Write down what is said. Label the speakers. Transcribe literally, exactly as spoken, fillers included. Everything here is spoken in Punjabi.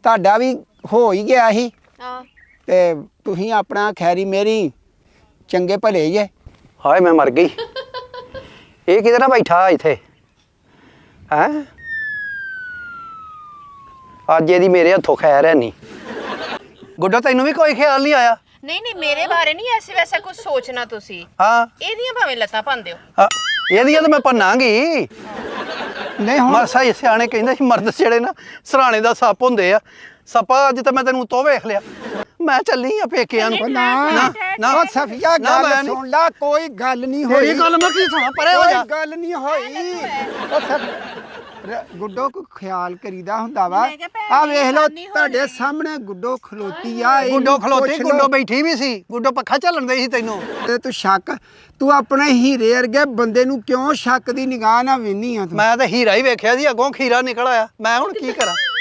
Speaker 1: ਤੁਹਾਡਾ ਵੀ ਹੋ ਹੀ ਗਿਆ ਸੀ
Speaker 2: ਹਾਂ
Speaker 1: ਤੇ ਤੁਸੀਂ ਆਪਣਾ ਖੈਰੀ ਮੇਰੀ ਚੰਗੇ ਭਲੇ ਜੇ।
Speaker 3: ਹਾਏ ਮੈਂ ਮਰ ਗਈ। ਇਹ ਕਿਧਰ ਆ ਬੈਠਾ ਇੱਥੇ ਹੈ? ਅੱਜ ਇਹਦੀ ਮੇਰੇ ਹੱਥੋਂ ਖੈਰ ਹੈ ਨਹੀਂ। ਗੁੱਡਾ ਤੈਨੂੰ ਵੀ ਕੋਈ ਖਿਆਲ ਨਹੀਂ ਆਇਆ?
Speaker 2: ਨਹੀਂ ਨਹੀਂ ਮੇਰੇ ਬਾਰੇ ਨਹੀਂ ਐਸੇ ਵੈਸਾ ਕੁਝ ਸੋਚਣਾ ਤੁਸੀਂ।
Speaker 3: ਹਾਂ
Speaker 2: ਇਹਦੀਆਂ ਭਾਵੇਂ ਲੱਤਾਂ ਭੰਨ ਦਿਓ।
Speaker 3: ਹਾਂ, ਇਹਦੀਆਂ ਤਾਂ ਮੈਂ ਭੰਨਾਂਗੀ।
Speaker 1: ਨਹੀਂ ਹੁਣ
Speaker 3: ਮਰਸਾ ਹੀ ਸਿਆਣੇ ਕਹਿੰਦੇ ਸੀ ਮਰਦ ਜਿਹੜੇ ਨਾ ਸਰਾਣੇ ਦਾ ਸੱਪ ਹੁੰਦੇ ਆ। ਸੱਪਾ ਅੱਜ ਤਾਂ ਮੈਂ ਤੈਨੂੰ ਤੋਂ ਵੇਖ ਲਿਆ। ਮੈਂ ਚੱਲੀ ਆ ਪੇਕਿਆਂ ਨੂੰ।
Speaker 1: ਨਾ
Speaker 3: ਨਾ ਨਾ
Speaker 1: ਉਹ ਸਫੀਆ
Speaker 3: ਨਾ, ਮੈਂ
Speaker 1: ਗੱਲ
Speaker 3: ਨੀ-
Speaker 1: ਸੁਣ ਲਾ, ਕੋਈ ਗੱਲ ਨਹੀਂ ਹੋਈ।
Speaker 3: ਤੇਰੀ ਗੱਲ ਮੈਂ ਕੀ ਸੁਣਾ, ਪਰੇ ਹੋ
Speaker 1: ਕੋਈ
Speaker 3: ਜਾ।
Speaker 1: ਗੱਲ ਨਹੀਂ ਹੋਈ। ਉਹ ਸਫ ਗੁੱਡੋ ਕੋ ਖਿਆਲ ਕਰੀਦਾ ਹੁੰਦਾ ਵਾ।
Speaker 2: ਮੈਂ ਕਿਹਾ ਭੈਣ
Speaker 1: ਆ
Speaker 2: ਦੀ
Speaker 1: ਵੇਖ ਲੋ
Speaker 2: ਹਾਨੀ ਹੋਣੀ।
Speaker 1: ਤੁਹਾਡੇ ਸਾਹਮਣੇ ਗੁੱਡੋ ਖਲੋਤੀ ਆ। ਇਹਨੂੰ
Speaker 3: ਗੁੱਡੋ ਖਲੋਤੀ,
Speaker 1: ਪੁੱਛ ਲਓ।
Speaker 3: ਗੁੱਡੋ ਬੈਠੀ ਵੀ ਸੀ। ਗੁੱਡੋ ਪੱਖਾ ਝੱਲਣ ਦੇ ਸੀ ਤੈਨੂੰ।
Speaker 1: ਤੇ ਤੂੰ ਸ਼ੱਕ, ਤੂੰ ਆਪਣੇ ਹੀਰੇ ਵਰਗੇ ਬੰਦੇ ਨੂੰ ਕਿਉਂ ਸ਼ੱਕ ਦੀ ਨਿਗਾਹ ਨਾਲ ਵੇਨੀ ਆ ਤੂੰ?
Speaker 3: ਮੈਂ ਤਾਂ ਹੀਰਾ ਹੀ ਵੇਖਿਆ ਸੀ, ਅੱਗੋਂ ਖੀਰਾ ਨਿਕਲ ਆਇਆ। ਮੈਂ ਹੁਣ ਕੀ ਕਰਾਂ?